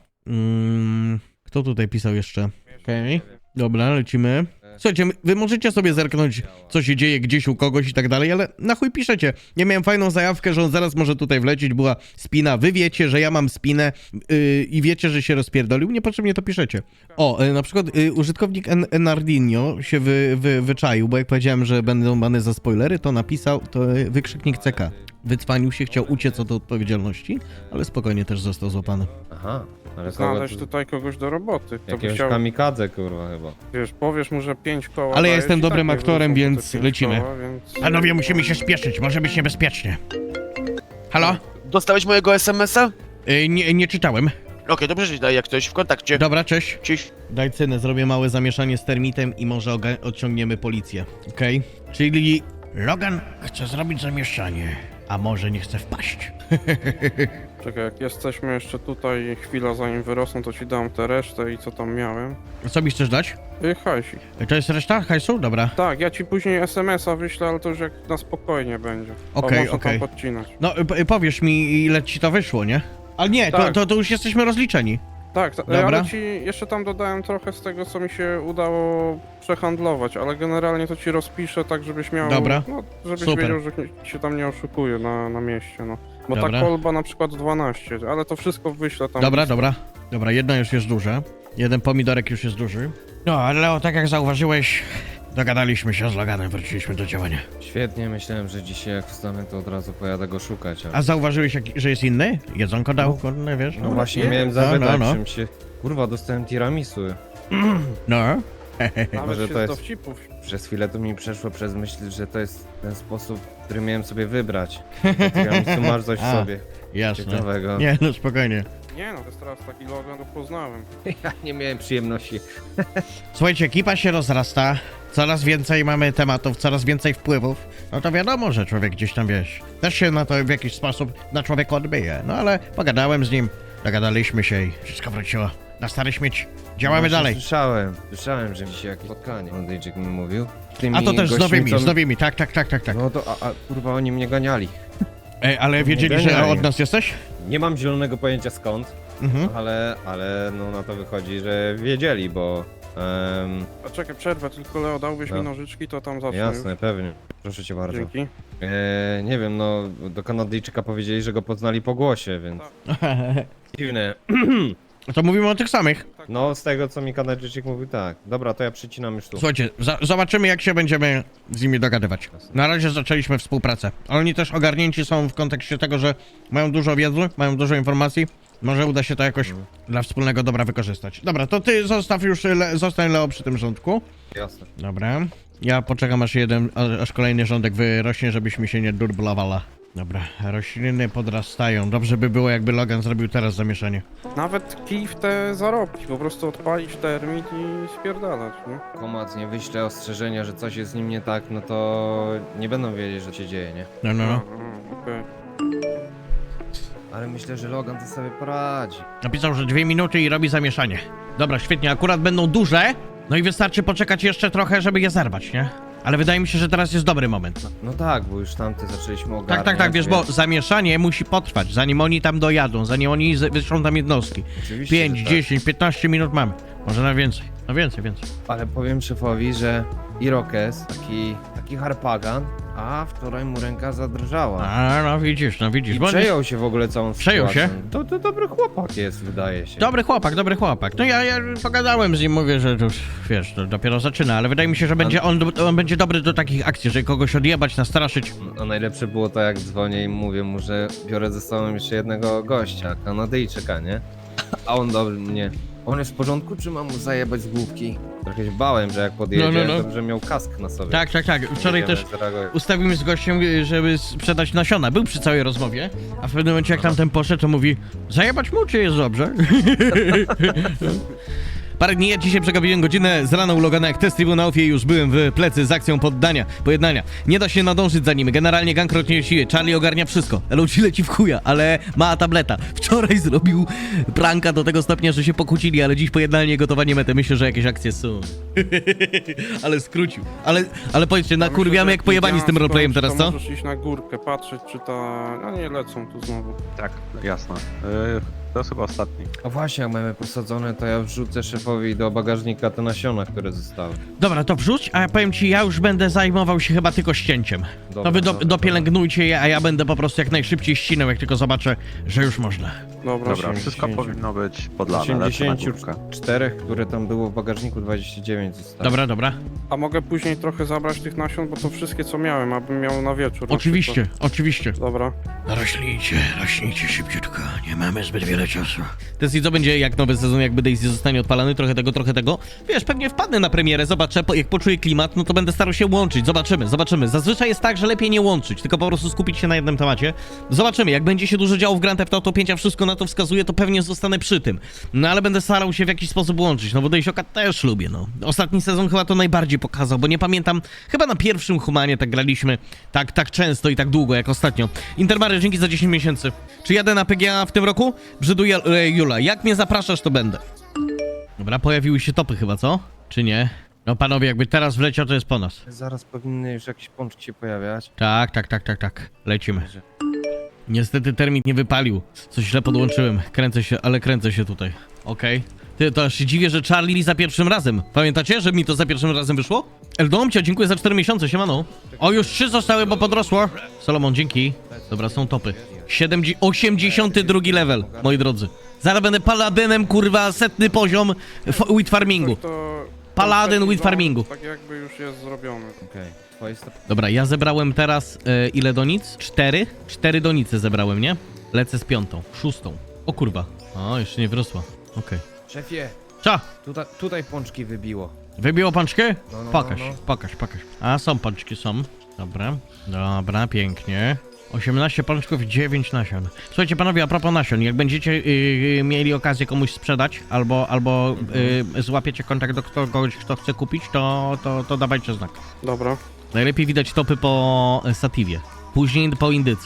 Speaker 2: Mm, kto tutaj pisał jeszcze? Okej, dobra, lecimy. Słuchajcie, my- wy możecie sobie zerknąć, co się dzieje gdzieś u kogoś i tak dalej, ale na chuj piszecie. Ja miałem fajną zajawkę, że on zaraz może tutaj wlecieć, była spina. Wy wiecie, że ja mam spinę yy, i wiecie, że się rozpierdolił, niepotrzebnie to piszecie. O, yy, na przykład yy, użytkownik En- Enardinho się wy, wy, wyczaił, bo jak powiedziałem, że będą bany za spoilery, to napisał, to yy, wykrzyknik C K. Wycwanił się, chciał uciec od odpowiedzialności, ale spokojnie też został złapany.
Speaker 7: Aha, ale kogo
Speaker 1: Znaleźć
Speaker 7: tu...
Speaker 1: tutaj kogoś do roboty. To by
Speaker 7: Jakiegoś
Speaker 1: chciał,
Speaker 7: kamikadze, kurwa, chyba.
Speaker 1: wiesz, powiesz mu, że pięć koła
Speaker 2: Ale ja
Speaker 1: dajesz
Speaker 2: jestem
Speaker 1: i tak
Speaker 2: dobrym
Speaker 1: nie
Speaker 2: aktorem,
Speaker 1: wrócą
Speaker 2: więc
Speaker 1: te pięć
Speaker 2: lecimy.
Speaker 1: Koła, więc...
Speaker 2: Panowie, musimy się spieszyć, może być niebezpiecznie. Halo?
Speaker 5: Dostałeś mojego es em es a? Okej,
Speaker 2: Yy, nie, nie czytałem.
Speaker 5: dobrze, że daj jak ktoś w kontakcie.
Speaker 2: Dobra, cześć.
Speaker 5: Cześć.
Speaker 2: Daj cynę, zrobię małe zamieszanie z termitem i może oga- odciągniemy policję. Okej? Czyli Logan chce zrobić zamieszanie, a może nie chce wpaść.
Speaker 1: Czekaj, jak jesteśmy jeszcze tutaj chwila zanim wyrosną, to ci dam tę resztę i co tam miałem.
Speaker 2: Co mi chcesz dać?
Speaker 1: Y, hajsik.
Speaker 2: To jest reszta hajsu? Dobra.
Speaker 1: Tak, ja ci później es em es a wyślę, ale to już jak na spokojnie będzie. Bo
Speaker 2: Okej,
Speaker 1: można
Speaker 2: okej.
Speaker 1: tam podcinać.
Speaker 2: No, p- powiesz mi, ile ci to wyszło, nie? Ale nie, to,
Speaker 1: Tak.
Speaker 2: to, to już jesteśmy rozliczeni.
Speaker 1: Tak, ta,
Speaker 2: Dobra.
Speaker 1: ale ci jeszcze tam dodałem trochę z tego, co mi się udało przehandlować, ale generalnie to ci rozpiszę tak, żebyś miał...
Speaker 2: Dobra.
Speaker 1: No, żebyś
Speaker 2: Super.
Speaker 1: wiedział, że nie- się tam nie oszukuje na, na mieście, no. Bo
Speaker 2: Dobra.
Speaker 1: ta kolba na przykład dwanaście, ale to wszystko wyślę tam.
Speaker 2: Dobra, dobra. Dobra, jedno już jest duże. Jeden pomidorek już jest duży. No, ale Leo, tak jak zauważyłeś, dogadaliśmy się z Loganem, wróciliśmy do działania.
Speaker 7: Świetnie, myślałem, że dzisiaj jak wstanę, to od razu pojadę go szukać, ale...
Speaker 2: A zauważyłeś, jak, że jest inny? Jedzonko dał, kurde, wiesz?
Speaker 7: No właśnie,
Speaker 1: nie,
Speaker 7: miałem
Speaker 2: no,
Speaker 7: zapytać,
Speaker 2: no, no.
Speaker 7: czym się... Kurwa, dostałem tiramisu.
Speaker 2: No.
Speaker 1: Nawet
Speaker 7: Może
Speaker 1: się
Speaker 7: to
Speaker 1: z
Speaker 7: jest-
Speaker 1: dowcipów.
Speaker 7: Przez chwilę to mi przeszło przez myśl, że to jest ten sposób, który miałem sobie wybrać. To tiramisu masz coś w
Speaker 2: A.
Speaker 7: sobie
Speaker 2: Jasne.
Speaker 7: ciekawego.
Speaker 2: Nie, no spokojnie.
Speaker 1: Nie no, to jest teraz taki Logan, to poznałem.
Speaker 7: Ja nie miałem przyjemności.
Speaker 2: Słuchajcie, ekipa się rozrasta, coraz więcej mamy tematów, coraz więcej wpływów. No to wiadomo, że człowiek gdzieś tam, wiesz, też się na to w jakiś sposób na człowieka odbije. No ale pogadałem z nim, dogadaliśmy się i wszystko wróciło Na stare śmieci. Działamy
Speaker 7: Właśnie
Speaker 2: dalej.
Speaker 7: Słyszałem, słyszałem, że mi się jakieś spotkanie Ondyjczyk mi mówił. Z tymi
Speaker 2: A to też z
Speaker 7: gośćmi,
Speaker 2: nowymi,
Speaker 7: co-
Speaker 2: z nowymi, tak, tak, tak, tak, tak.
Speaker 7: No to, a, a kurwa, oni mnie ganiali.
Speaker 2: Ej, ale wiedzieli, że
Speaker 7: ganiali.
Speaker 2: od nas jesteś?
Speaker 7: Nie mam zielonego pojęcia skąd,
Speaker 2: Mhm.
Speaker 7: ale, ale no na to wychodzi, że wiedzieli, bo... em,
Speaker 1: A czekaj, przerwę, tylko Leo, dałbyś
Speaker 7: No.
Speaker 1: mi nożyczki, to tam zacznę
Speaker 7: jasne,
Speaker 1: już.
Speaker 7: pewnie. Proszę cię bardzo.
Speaker 1: Dzięki.
Speaker 7: E, nie wiem, no do Kanadyjczyka powiedzieli, że go poznali po głosie, więc dziwne.
Speaker 2: To mówimy o tych samych.
Speaker 7: No z tego co mi Kanadyjczyk mówił, tak. Dobra, to ja przycinam już tu.
Speaker 2: Słuchajcie, za zobaczymy jak się będziemy z nimi dogadywać. Na razie zaczęliśmy współpracę. Oni też ogarnięci są w kontekście tego, że mają dużo wiedzy, mają dużo informacji. Może uda się to jakoś dla wspólnego dobra wykorzystać. Dobra, to ty zostaw już, le zostań Leo przy tym rządku.
Speaker 7: Jasne.
Speaker 2: Dobra. Ja poczekam aż jeden, a- aż kolejny rządek wyrośnie, żebyśmy się nie durblowała. Dobra, rośliny podrastają. Dobrze by było, jakby Logan zrobił teraz zamieszanie.
Speaker 1: Nawet kij w te zarobki, po prostu odpalić termit i spierdalać, nie?
Speaker 7: Komac nie wyśle ostrzeżenia, że coś jest z nim nie tak, no to nie będą wiedzieć, że się dzieje, nie?
Speaker 2: No, no,
Speaker 1: A,
Speaker 2: no.
Speaker 1: a, okej.
Speaker 7: Ale myślę, że Logan to sobie poradzi.
Speaker 2: Napisał, że dwie minuty i robi zamieszanie. Dobra, świetnie, akurat będą duże. No i wystarczy poczekać jeszcze trochę, żeby je zerwać, nie? Ale wydaje mi się, że teraz jest dobry moment.
Speaker 7: No tak, bo już tamte zaczęliśmy ogarniać.
Speaker 2: Tak, tak, tak, wiesz, bo
Speaker 7: więc
Speaker 2: zamieszanie musi potrwać, zanim oni tam dojadą, zanim oni z- wyszą tam jednostki.
Speaker 7: Oczywiście,
Speaker 2: pięć,
Speaker 7: że tak.
Speaker 2: dziesięć, piętnaście minut mamy. Może na więcej. No więcej, więcej.
Speaker 7: Ale powiem szefowi, że Irokes, taki, taki harpagan, a wczoraj mu ręka zadrżała.
Speaker 2: A, no widzisz, no widzisz.
Speaker 7: I
Speaker 2: bo on
Speaker 7: przejął się w ogóle całą
Speaker 2: Przejął
Speaker 7: sytuacją.
Speaker 2: się?
Speaker 7: To, to dobry chłopak jest, wydaje się.
Speaker 2: Dobry chłopak, dobry chłopak. No ja, ja pogadałem z nim, mówię, że to już, wiesz, to dopiero zaczyna, ale wydaje mi się, że będzie on, on będzie dobry do takich akcji, żeby kogoś odjebać, nastraszyć.
Speaker 7: A najlepsze było to, jak dzwonię i mówię mu, że biorę ze sobą jeszcze jednego gościa, Kanadyjczyka, nie? A on do mnie, on jest w porządku, czy mam mu zajebać z główki? Trochę się bałem, że jak podjedzie,
Speaker 2: No, no, no.
Speaker 7: to że miał kask na sobie.
Speaker 2: Tak, tak, tak. Wczoraj
Speaker 7: Jedziemy,
Speaker 2: też
Speaker 7: zareaguję.
Speaker 2: ustawimy z gościem, żeby sprzedać nasiona. Był przy całej rozmowie, a w pewnym momencie jak tamten poszedł, to mówi: zajebać mu, czy jest dobrze? Parę dni, ja dzisiaj przegapiłem godzinę z rana u Logana jak test tribunałów i już byłem w plecy z akcją poddania, pojednania. Nie da się nadążyć za nim, generalnie gang rotnie siły, Charlie ogarnia wszystko. L O G leci w chuja, ale ma tableta. Wczoraj zrobił pranka do tego stopnia, że się pokłócili, ale dziś pojednanie i gotowanie mety. Myślę, że jakieś akcje są. Ale skrócił. Ale, ale powiedzcie, nakurwiamy jak pojebani z tym roleplayem teraz, co?
Speaker 1: Możesz iść na górkę, patrzeć, czy ta... No nie, lecą tu znowu.
Speaker 8: Tak, jasne. Yy, to jest chyba ostatni.
Speaker 7: A właśnie, jak mamy posadzone, to ja wrzucę szefowi do bagażnika te nasiona, które zostały.
Speaker 2: Dobra, to wrzuć, a ja powiem ci, ja już będę zajmował się chyba tylko ścięciem.
Speaker 7: Dobra,
Speaker 2: To wy do,
Speaker 7: dobra,
Speaker 2: dopielęgnujcie je, a ja będę po prostu jak najszybciej ścinał, jak tylko zobaczę, że już można.
Speaker 1: Dobra,
Speaker 8: Dobra, wszystko
Speaker 7: osiemdziesiąt.
Speaker 8: powinno być podlane, lecę na
Speaker 7: osiemdziesiąt
Speaker 8: górkę.
Speaker 7: cztery, które tam było w bagażniku, dwadzieścia dziewięć zostało.
Speaker 2: Dobra, dobra.
Speaker 1: A mogę później trochę zabrać tych nasion, bo to wszystkie co miałem, abym miał na wieczór. na
Speaker 2: Oczywiście,
Speaker 1: przykład.
Speaker 2: oczywiście.
Speaker 1: Dobra.
Speaker 2: Rośnijcie, rośnijcie szybciutko, nie mamy zbyt wiele czasu. Tesli, co będzie jak nowy sezon, jakby Daisy zostanie odpalany, trochę tego, trochę tego. Wiesz, pewnie wpadnę na premierę, zobaczę, po, jak poczuję klimat, no to będę starał się łączyć, zobaczymy, zobaczymy. Zazwyczaj jest tak, że lepiej nie łączyć, tylko po prostu skupić się na jednym temacie. Zobaczymy, jak będzie się dużo działo w Grand Theft Auto pięć, a wszystko na to wskazuje, to pewnie zostanę przy tym. No ale będę starał się w jakiś sposób łączyć, no bo Dejsioka też lubię, no. Ostatni sezon chyba to najbardziej pokazał, bo nie pamiętam, chyba na pierwszym Humanie tak graliśmy tak, tak często i tak długo jak ostatnio. Intermary, dzięki za dziesięć miesięcy. Czy jadę na P G A w tym roku? Brzydu e, Jula, jak mnie zapraszasz, to będę. Dobra, pojawiły się topy chyba, co? Czy nie? No panowie, jakby teraz wleciał, to jest po nas.
Speaker 7: Zaraz powinny już jakieś pączki się pojawiać.
Speaker 2: Tak, tak, tak, tak, tak. Lecimy. Niestety termit nie wypalił. Coś źle podłączyłem. Kręcę się, ale kręcę się tutaj. Okej. Ty, to aż się dziwię, że Charlie za pierwszym razem. Pamiętacie, że mi to za pierwszym razem wyszło? Eldomcia, dziękuję za cztery miesiące, siemano. O, już trzy zostały, bo podrosło. Solomon, dzięki. Dobra, są topy. siedemdziesiąt, osiemdziesiąty drugi level, moi drodzy. Zaraz będę paladynem, kurwa, setny poziom f- wheat farmingu.
Speaker 1: Tak to...
Speaker 2: Paladyn
Speaker 1: taki
Speaker 2: with
Speaker 1: plan,
Speaker 2: farmingu.
Speaker 1: Tak jakby już jest zrobiony.
Speaker 7: Okej, twoje sto...
Speaker 2: Dobra, ja zebrałem teraz e, ile donic? Cztery? Cztery donice zebrałem, nie? Lecę z piątą, szóstą. O kurwa. O, jeszcze nie wyrosła. Okej.
Speaker 7: Szefie,
Speaker 2: Cia!
Speaker 7: tutaj, tutaj pączki wybiło.
Speaker 2: Wybiło pączkę?
Speaker 7: No, no,
Speaker 2: Pokaż,
Speaker 7: no, no.
Speaker 2: pokaż, pokaż. A, są pączki, są. Dobra, dobra, pięknie. osiemnaście pączków, dziewięć nasion. Słuchajcie panowie, a propos nasion, jak będziecie yy, mieli okazję komuś sprzedać, albo, albo yy, złapiecie kontakt do kogoś, kto chce kupić, to, to, to dawajcie znak.
Speaker 1: Dobra.
Speaker 2: Najlepiej widać topy po e, Satiwie, później po Indyce.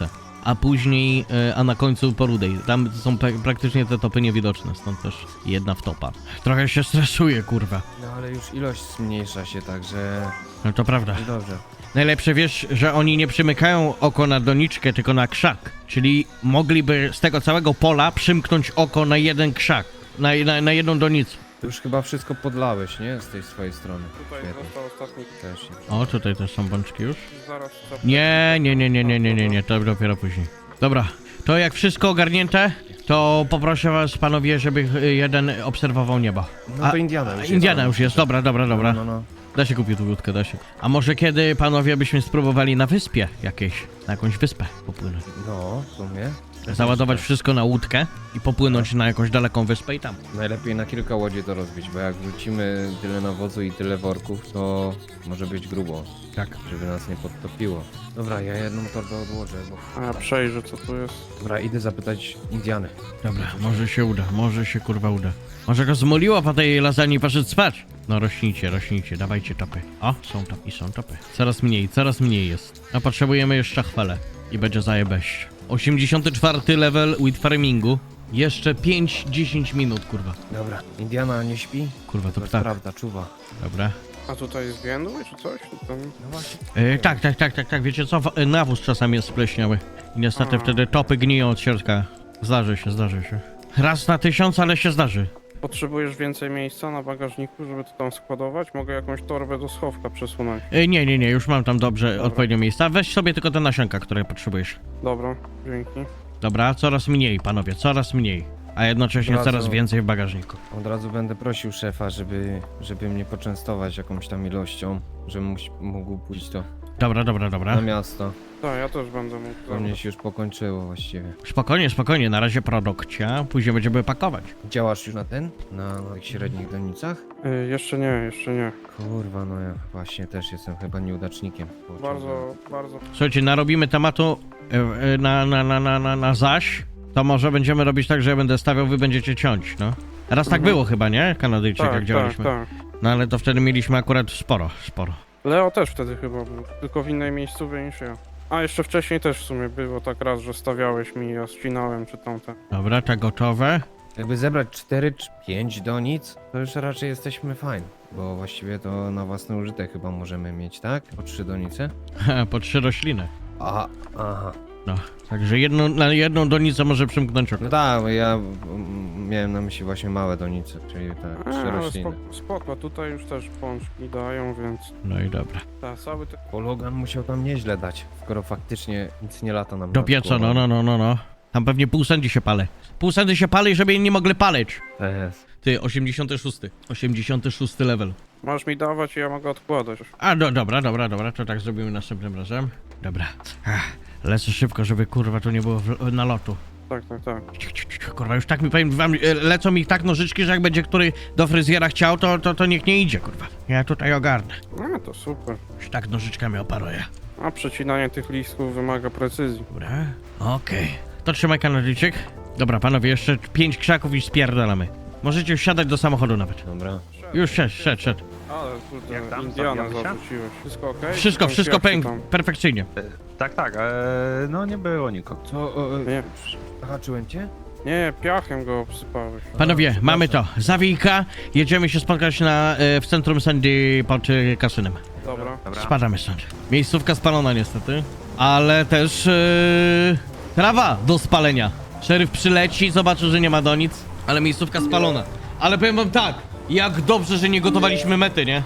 Speaker 2: a później, e, a na końcu po rudej. Tam są pe- praktycznie te topy niewidoczne, stąd też jedna w topa. Trochę się stresuję, kurwa.
Speaker 7: No ale już ilość zmniejsza się, także...
Speaker 2: No to prawda.
Speaker 7: i dobrze.
Speaker 2: Najlepsze wiesz, że oni nie przymykają oko na doniczkę, tylko na krzak. Czyli mogliby z tego całego pola przymknąć oko na jeden krzak, na, na, na jedną donicę.
Speaker 7: Ty już chyba wszystko podlałeś, nie? Z tej swojej strony.
Speaker 1: Tutaj
Speaker 7: Świetnie.
Speaker 1: został ostatni.
Speaker 7: Też.
Speaker 2: O, tutaj też są bączki już.
Speaker 1: Zaraz chcę...
Speaker 2: Nie, nie, nie, nie, nie, nie, nie, nie, to dopiero później. Dobra, to jak wszystko ogarnięte, to poproszę was panowie, żeby y, jeden obserwował niebo.
Speaker 7: No to Indiana już jest.
Speaker 2: Indiana już jest, dobra, dobra, dobra.
Speaker 7: No, no, no.
Speaker 2: Da się kupić tu łódkę, da się. A może kiedy panowie byśmy spróbowali na wyspie jakiejś, na jakąś wyspę popłynąć?
Speaker 7: No, w sumie.
Speaker 2: Załadować wszystko na łódkę i popłynąć na jakąś daleką wyspę i tam.
Speaker 7: Najlepiej na kilka łodzi to rozbić, bo jak wrzucimy tyle nawozu i tyle worków, to może być grubo.
Speaker 2: Tak.
Speaker 7: Żeby nas nie podtopiło. Dobra, ja jedną torbę odłożę, bo...
Speaker 1: A ja przejrzę co tu jest.
Speaker 7: Dobra, idę zapytać Indiany.
Speaker 2: Dobra, może się uda, może się kurwa uda. Może go zmoliło po tej lasagne i poszedł spać. No rośnijcie, rośnijcie, dawajcie topy. O, są topy, są topy. Coraz mniej, coraz mniej jest. A potrzebujemy jeszcze chwalę. I będzie zajebeść. osiemdziesiąty czwarty level with farmingu. Jeszcze pięć dziesięć minut, kurwa.
Speaker 7: Dobra, Indiana nie śpi?
Speaker 2: Kurwa, to
Speaker 7: To jest
Speaker 2: ptak.
Speaker 7: prawda, czuwa.
Speaker 2: Dobra.
Speaker 1: A tutaj jest więdły czy coś? Tu Tam...
Speaker 7: No właśnie.
Speaker 2: E, tak, tak, tak, tak, tak, wiecie co? W- e, Nawóz czasami jest spleśniały. I niestety
Speaker 1: A.
Speaker 2: wtedy topy gniją od środka. Zdarzy się, zdarzy się. Raz na tysiąc, ale się zdarzy.
Speaker 1: Potrzebujesz więcej miejsca na bagażniku, żeby to tam składować? Mogę jakąś torbę do schowka przesunąć.
Speaker 2: E, nie, nie, nie, już mam tam dobrze
Speaker 1: Dobra.
Speaker 2: odpowiednie miejsca. Weź sobie tylko te nasionka, które potrzebujesz.
Speaker 1: Dobra, dzięki.
Speaker 2: Dobra, coraz mniej, panowie, coraz mniej. A jednocześnie
Speaker 7: Od razu-
Speaker 2: coraz więcej w bagażniku.
Speaker 7: Od razu będę prosił szefa, żeby, żeby mnie poczęstować jakąś tam ilością, żebym mógł- mógł pójść to
Speaker 2: Dobra, dobra, dobra.
Speaker 7: na miasto.
Speaker 1: Tak, ja też będę mógł.
Speaker 7: To mnie się już pokończyło właściwie.
Speaker 2: Spokojnie, spokojnie, na razie produkcja, później będziemy pakować.
Speaker 7: Działasz już na ten? Na tych średnich donicach?
Speaker 1: Y, jeszcze nie, jeszcze nie.
Speaker 7: Kurwa, no ja właśnie też jestem chyba nieudacznikiem. Kurczę,
Speaker 1: Bardzo, bardzo.
Speaker 2: Słuchajcie, narobimy tematu e, e, na, na, na, na, na, na zaś, to może będziemy robić tak, że ja będę stawiał, wy będziecie ciąć, no. Raz tak
Speaker 1: Mhm.
Speaker 2: było chyba, nie? Kanadyjczyk, jak
Speaker 1: Tak, tak,
Speaker 2: działaliśmy.
Speaker 1: tak.
Speaker 2: No ale to wtedy mieliśmy akurat sporo, sporo.
Speaker 1: Leo też wtedy chyba był, tylko w innej miejscowej niż ja. A jeszcze wcześniej też w sumie było tak raz, że stawiałeś mi, ja ścinałem czy tamte.
Speaker 2: Dobra, to gotowe.
Speaker 7: Jakby zebrać cztery czy pięć donic, to już raczej jesteśmy fajni. Bo właściwie to na własny użytek chyba możemy mieć, tak? Po trzy donice?
Speaker 2: Po trzy rośliny.
Speaker 7: Aha, aha.
Speaker 2: No, także jedną, na jedną donicę może przymknąć oko.
Speaker 7: No tak, bo ja mm, miałem na myśli właśnie małe donice, czyli tak,
Speaker 1: A,
Speaker 7: trzy
Speaker 1: ale
Speaker 7: rośliny.
Speaker 1: spoko, spoko, tutaj już też pączki dają, więc...
Speaker 2: No i dobra.
Speaker 1: Ta, cały te...
Speaker 7: Bo Logan musiał tam nieźle dać, skoro faktycznie nic nie lata nam
Speaker 2: Do
Speaker 7: nad
Speaker 2: pieca,
Speaker 7: głową.
Speaker 2: no, no, no, no, no. Tam pewnie pół sędzi się pali. Pół sędzi się pali, żeby nie mogli paleć.
Speaker 7: To jest.
Speaker 2: Ty, osiemdziesiąty szósty. osiemdziesiąty szósty level.
Speaker 1: Masz mi dawać i ja mogę odkładać.
Speaker 2: A, do, dobra, dobra, dobra, to tak zrobimy następnym razem. Dobra. Ach, lecę szybko, żeby kurwa tu nie było w, nalotu.
Speaker 1: Tak, tak, tak.
Speaker 2: Ciu, ciu, ciu, kurwa, już tak mi powiem wam, e, lecą mi tak nożyczki, że jak będzie który do fryzjera chciał, to, to, to niech nie idzie, kurwa. Ja tutaj ogarnę.
Speaker 1: A, to super.
Speaker 2: Już tak nożyczkami operuję.
Speaker 1: A przecinanie tych listów wymaga precyzji.
Speaker 2: Dobra, okej. To trzymaj Kanadyjczyk. Dobra, panowie, jeszcze pięć krzaków i spierdalamy. Możecie już siadać do samochodu nawet.
Speaker 7: Dobra.
Speaker 2: Już szedł, szedł, szedł.
Speaker 1: Ale kurde,
Speaker 8: Jak tam?
Speaker 1: Indiana
Speaker 8: Zabijamy się?
Speaker 1: zarzuciłeś. Wszystko okej?
Speaker 2: Wszystko,
Speaker 1: Czy
Speaker 2: wszystko
Speaker 1: jak się
Speaker 2: pęk,
Speaker 1: tam-
Speaker 2: perfekcyjnie.
Speaker 8: Tak, tak, e, no nie było nikogo.
Speaker 7: Co? O, o,
Speaker 1: Nie,
Speaker 7: haczyłem cię?
Speaker 1: nie, piachem go obsypałeś.
Speaker 2: Panowie, mamy to. Zawijka, jedziemy się spotkać na, e, w centrum Sandy pod e, kasynem.
Speaker 1: Dobra.
Speaker 8: Dobra.
Speaker 2: Spadamy stąd. Miejscówka spalona niestety, ale też e, trawa do spalenia. Szeryf przyleci, zobaczy, że nie ma do nic, ale miejscówka spalona. Ale powiem wam tak, jak dobrze, że nie gotowaliśmy mety, nie?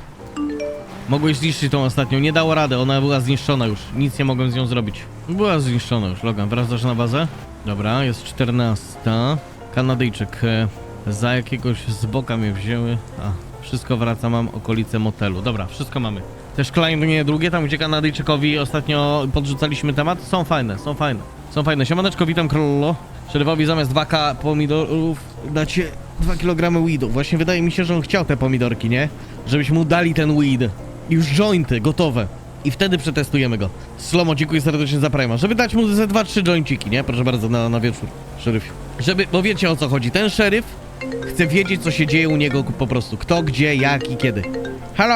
Speaker 2: Mogłeś zniszczyć tą ostatnią, nie dało rady, ona była zniszczona już, nic nie mogłem z nią zrobić. Była zniszczona już, Logan, wracasz na bazę? Dobra, jest czternasta. Kanadyjczyk, e, za jakiegoś z boka mnie wzięły. A, wszystko wraca, mam okolice motelu. Dobra, wszystko mamy. Te szklanie drugie, tam gdzie Kanadyjczykowi ostatnio podrzucaliśmy temat, są fajne, są fajne. Są fajne. Siemaneczko, witam królo. Szeryfowi zamiast dwa ka pomidorów dacie dwa kilogramy weedu. Właśnie wydaje mi się, że on chciał te pomidorki, nie? Żebyśmy mu dali ten weed. Już jointy, gotowe. I wtedy przetestujemy go. Slomo, dziękuję serdecznie za Prima. Żeby dać mu ze dwa trzy joinciki, nie? Proszę bardzo, na, na wieczór, szeryfie. Żeby, bo wiecie o co chodzi. Ten szeryf chce wiedzieć, co się dzieje u niego po prostu. Kto, gdzie, jak i kiedy. Halo?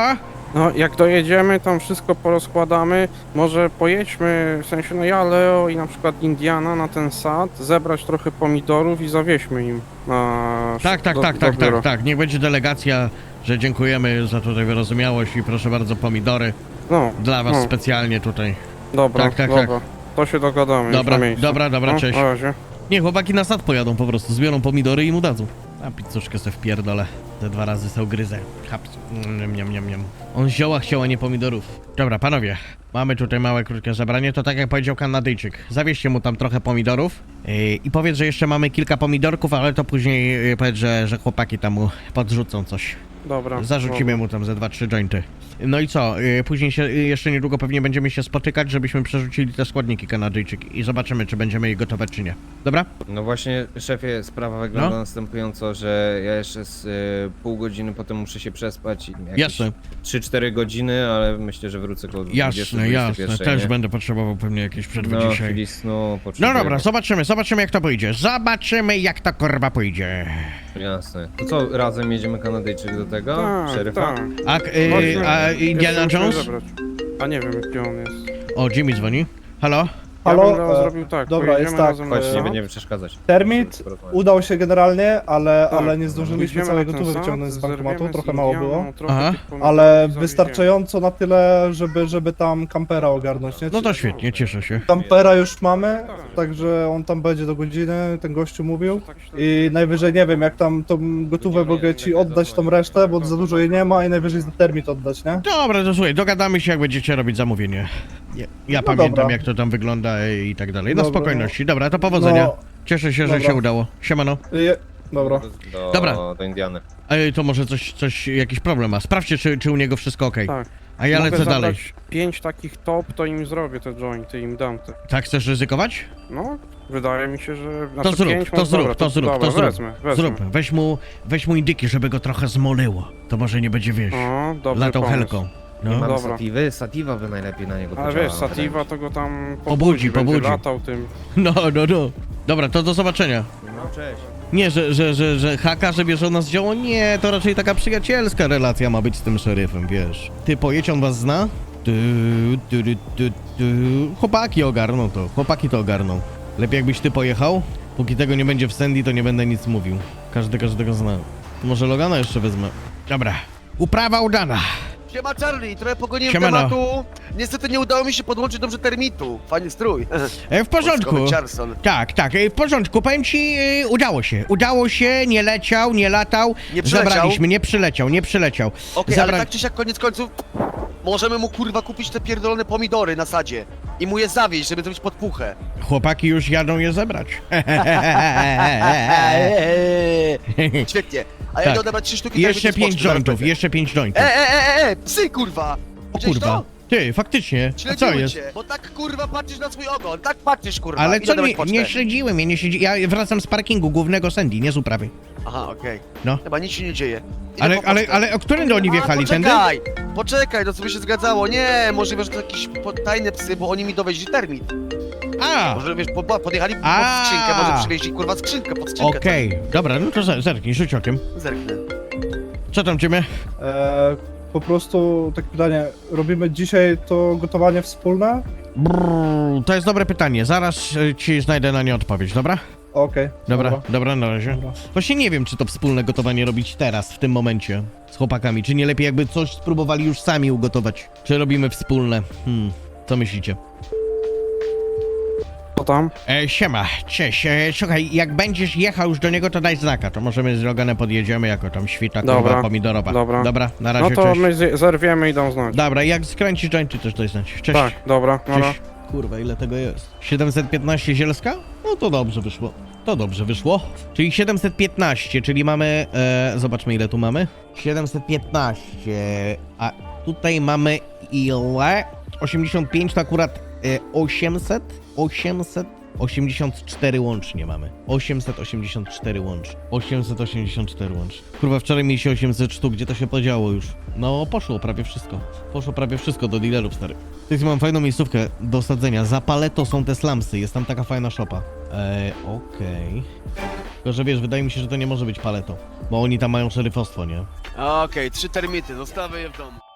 Speaker 1: No, jak dojedziemy, tam wszystko porozkładamy, może pojedźmy, w sensie, no ja, Leo i na przykład Indiana na ten sad, zebrać trochę pomidorów i zawieźmy im na...
Speaker 2: Tak, tak,
Speaker 1: do,
Speaker 2: tak,
Speaker 1: do
Speaker 2: tak,
Speaker 1: biura.
Speaker 2: tak, tak. Niech będzie delegacja, że dziękujemy za tutaj wyrozumiałość i proszę bardzo pomidory
Speaker 1: No,
Speaker 2: dla was
Speaker 1: no.
Speaker 2: specjalnie tutaj.
Speaker 1: dobra,
Speaker 2: tak, tak,
Speaker 1: dobra. To się dogadamy już
Speaker 2: Dobra,
Speaker 1: na miejscu.
Speaker 2: dobra, dobra,
Speaker 1: No,
Speaker 2: cześć.
Speaker 1: na razie.
Speaker 2: Nie, chłopaki na sad pojadą po prostu, zbiorą pomidory i mu dadzą. A pizzuszkę sobie wpierdolę. Te dwa razy se ugryzę. Haps. Niam, niam, niam, niam. On zioła chciał, a nie pomidorów. Dobra, panowie. Mamy tutaj małe, krótkie zebranie. To tak jak powiedział Kanadyjczyk. Zawieźcie mu tam trochę pomidorów. Yy, I powiedz, że jeszcze mamy kilka pomidorków, ale to później yy, powiedz, że, że chłopaki tam mu podrzucą coś.
Speaker 1: Dobra.
Speaker 2: Zarzucimy mu tam ze dwa, trzy jointy. No i co? Yy, później się, yy, jeszcze niedługo pewnie będziemy się spotykać, żebyśmy przerzucili te składniki Kanadyjczyk i zobaczymy, czy będziemy je gotować, czy nie. Dobra?
Speaker 7: No właśnie, szefie, sprawa wygląda
Speaker 2: No.
Speaker 7: następująco, że ja jeszcze z y, pół godziny potem muszę się przespać. i jakieś
Speaker 2: Jasne.
Speaker 7: trzy cztery godziny, ale myślę, że wrócę koło dwudziestej,
Speaker 2: Jasne, jasne.
Speaker 7: dwudziestej
Speaker 2: Też
Speaker 7: nie?
Speaker 2: będę potrzebował pewnie jakieś przerwy
Speaker 7: No,
Speaker 2: dzisiaj.
Speaker 7: chwili snu,
Speaker 2: No
Speaker 7: potrzebuję.
Speaker 2: dobra, zobaczymy, zobaczymy jak to pójdzie. Zobaczymy jak to kurwa pójdzie.
Speaker 7: Jasne. To co, razem jedziemy Kanadyjczyk do tego?
Speaker 1: Tak,
Speaker 7: Szeryfa?
Speaker 1: tak.
Speaker 2: A, yy,
Speaker 1: Chodźmy.
Speaker 2: a Indiana
Speaker 1: Jeszcze musimy
Speaker 2: Jones?
Speaker 1: zebrać. A nie wiem, gdzie on jest.
Speaker 2: O, Jimmy dzwoni. Halo?
Speaker 9: Halo,
Speaker 1: Ja bym Leo
Speaker 9: e,
Speaker 1: zrobił tak,
Speaker 9: dobra,
Speaker 1: pojedziemy
Speaker 9: jest tak,
Speaker 1: razem na
Speaker 7: Chodź, nie
Speaker 1: sad.
Speaker 7: będziemy przeszkadzać.
Speaker 9: Termit
Speaker 7: Porozmawiać.
Speaker 9: udał się generalnie, ale,
Speaker 1: Tak.
Speaker 9: ale nie zdążyliśmy
Speaker 1: Pójdziemy
Speaker 9: całej
Speaker 1: na ten
Speaker 9: gotówy
Speaker 1: sad,
Speaker 9: wyciągnąć z bankomatu,
Speaker 1: zerwiemy
Speaker 9: trochę
Speaker 1: z
Speaker 9: mało
Speaker 1: Indianą,
Speaker 9: było.
Speaker 1: trochę
Speaker 2: Aha.
Speaker 1: tych pomidorów
Speaker 9: Ale
Speaker 1: i zawieziemy.
Speaker 9: wystarczająco na tyle, żeby, żeby tam kampera ogarnąć, nie?
Speaker 2: No to świetnie, cieszę się.
Speaker 9: Kampera już mamy, także on tam będzie do godziny, ten gościu mówił.
Speaker 1: Tak się-
Speaker 9: I najwyżej nie wiem, jak tam tą gotówę mogę ci oddać tą resztę, bo za dużo jej nie ma i najwyżej za termit oddać, nie?
Speaker 2: Dobra, to słuchaj, dogadamy się jak będziecie robić zamówienie. Ja, ja
Speaker 9: No
Speaker 2: pamiętam
Speaker 9: dobra.
Speaker 2: jak to tam wygląda i tak dalej. No
Speaker 9: Dobra,
Speaker 2: spokojności. Dobra, to powodzenia.
Speaker 9: No,
Speaker 2: Cieszę się, że
Speaker 9: dobra.
Speaker 2: się udało. Siemano.
Speaker 9: je, dobra.
Speaker 7: Do,
Speaker 2: Dobra.
Speaker 7: do Indiany.
Speaker 2: Ej, to może coś, coś, jakiś problem ma. Sprawdźcie, czy, czy u niego wszystko ok.
Speaker 1: Tak.
Speaker 2: A ja
Speaker 1: Mogę
Speaker 2: lecę dalej.
Speaker 1: zabrać pięć takich top, to im zrobię te jointy, im dam te.
Speaker 2: Tak, chcesz ryzykować?
Speaker 1: No, wydaje mi się, że...
Speaker 2: To
Speaker 1: znaczy
Speaker 2: zrób,
Speaker 1: pięć,
Speaker 2: to
Speaker 1: no
Speaker 2: zrób,
Speaker 1: dobra,
Speaker 2: to zrób,
Speaker 1: dobra,
Speaker 2: to zrób.
Speaker 1: Wezmę, wezmę.
Speaker 2: Zrób. Weź mu, weź mu indyki, żeby go trochę zmolyło. To może nie będzie, wiesz,
Speaker 1: O, dobry
Speaker 2: latał
Speaker 1: pomysł.
Speaker 2: helką.
Speaker 7: Nie
Speaker 2: No.
Speaker 7: mamy
Speaker 1: Dobra.
Speaker 7: satiwy? Sativa by najlepiej na niego
Speaker 1: Ale
Speaker 7: podziałała,
Speaker 1: wiesz, Sativa to go tam
Speaker 2: Pobudzi,
Speaker 1: będzie
Speaker 2: pobudzi.
Speaker 1: latał tym.
Speaker 2: no, no, no. Dobra, to do zobaczenia.
Speaker 7: No cześć.
Speaker 2: Nie, że, że, że, że haka, że bierze nas dzieło, nie, to raczej taka przyjacielska relacja ma być z tym szeryfem, wiesz. Ty pojedź, on was zna? Tu, tu, tu, tu, tu. Chłopaki ogarną to, chłopaki to ogarną. Lepiej jakbyś ty pojechał? Póki tego nie będzie w Sandy, to nie będę nic mówił. Każdy każdego zna. To może Logana jeszcze wezmę. Dobra. Uprawa udana.
Speaker 5: Siema Charlie, trochę pogoniłem
Speaker 2: Siemano.
Speaker 5: tematu. Niestety nie udało mi się podłączyć dobrze termitu. Fajny strój.
Speaker 2: E, w porządku.
Speaker 5: Wojskowy Charleston.
Speaker 2: Tak, tak, e, w porządku. Powiem ci, e, udało się. Udało się, nie leciał, nie latał.
Speaker 5: Nie przyleciał?
Speaker 2: Zabraliśmy, nie przyleciał, nie przyleciał.
Speaker 5: Okej,
Speaker 2: Zabra-
Speaker 5: ale tak czy siak koniec końców możemy mu kurwa kupić te pierdolone pomidory na sadzie i mu je zawieźć, żeby zrobić podpuchę.
Speaker 2: Chłopaki już jadą je zebrać.
Speaker 5: Świetnie. A ja
Speaker 2: Tak.
Speaker 5: idę odebrać trzy sztuki
Speaker 2: Jeszcze
Speaker 5: termitu z
Speaker 2: pięć
Speaker 5: poczty, zaraz
Speaker 2: jointów,
Speaker 5: będę.
Speaker 2: jeszcze pięć jointów.
Speaker 5: E, e, e, e, psy kurwa!
Speaker 2: O
Speaker 5: Widziałeś
Speaker 2: kurwa.
Speaker 5: to?
Speaker 2: Ty, faktycznie. A co
Speaker 5: Śledziły
Speaker 2: jest?
Speaker 5: cię, bo tak kurwa patrzysz na swój ogon, tak patrzysz kurwa.
Speaker 2: Ale
Speaker 5: Idę
Speaker 2: co,
Speaker 5: odebrać
Speaker 2: nie,
Speaker 5: pocztę.
Speaker 2: nie śledziłem, ja nie śledzi... Ja wracam z parkingu głównego Sandy, nie z uprawy.
Speaker 5: Aha, okej.
Speaker 2: No.
Speaker 5: Chyba nic się nie dzieje. Idę
Speaker 2: Ale,
Speaker 5: po
Speaker 2: ale,
Speaker 5: pocztę.
Speaker 2: ale o którym oni wjechali?
Speaker 5: A,
Speaker 2: Tędy?
Speaker 5: poczekaj, poczekaj, to co by się zgadzało. Nie, możliwe, że to jakieś po- tajne psy, bo oni mi dowieźli termit.
Speaker 2: A,
Speaker 5: Może wiesz, po, podjechali pod
Speaker 2: A.
Speaker 5: skrzynkę, może przywieźli kurwa skrzynkę pod skrzynkę.
Speaker 2: okej. Dobra, no to zer- zerknij, rzuć okiem.
Speaker 5: Zerknę.
Speaker 2: Co tam ciebie?
Speaker 9: E, po prostu takie pytanie, robimy dzisiaj to gotowanie wspólne?
Speaker 2: Brrr, to jest dobre pytanie, zaraz e, ci znajdę na nie odpowiedź, dobra?
Speaker 9: Okej.
Speaker 2: Dobra, dobra, na razie.
Speaker 9: Dobra.
Speaker 2: Właśnie nie wiem, czy to wspólne gotowanie robić teraz, w tym momencie, z chłopakami, czy nie lepiej jakby coś spróbowali już sami ugotować. Czy robimy wspólne? Hmm, co myślicie?
Speaker 1: Co tam?
Speaker 2: E, siema, cześć, e, słuchaj, jak będziesz jechał już do niego, to daj znaka, to możemy z Loganem podjedziemy jako tam świta kurwa
Speaker 1: Dobra,
Speaker 2: pomidorowa.
Speaker 1: dobra.
Speaker 2: Dobra, na razie,
Speaker 1: No to
Speaker 2: cześć.
Speaker 1: my z- zerwiemy i dam znać.
Speaker 2: Dobra, jak skręcisz jointy, też daj znać. Cześć.
Speaker 1: Tak, dobra, no, no.
Speaker 2: Cześć. Kurwa, ile tego jest? siedemset piętnaście zielska? No to dobrze wyszło. To dobrze wyszło. Czyli siedemset piętnaście, czyli mamy... E, zobaczmy ile tu mamy. siedemset piętnaście, a tutaj mamy ile? osiemdziesiąt pięć to akurat e, osiemset? osiemset? osiemdziesiąt cztery łącznie mamy. osiemset osiemdziesiąt cztery łącznie. osiemset osiemdziesiąt cztery łącznie. Kurwa, wczoraj mieliście osiemset sztuk, gdzie to się podziało już? No, poszło prawie wszystko. Poszło prawie wszystko do dealerów, stary. Tutaj mam fajną miejscówkę do osadzenia. Za Paleto są te slumsy, jest tam taka fajna szopa. Eee, okej. Tylko, że wiesz, wydaje mi się, że to nie może być Paleto. Bo oni tam mają szeryfostwo, nie?
Speaker 5: Okej, trzy termity, zostawię je w domu.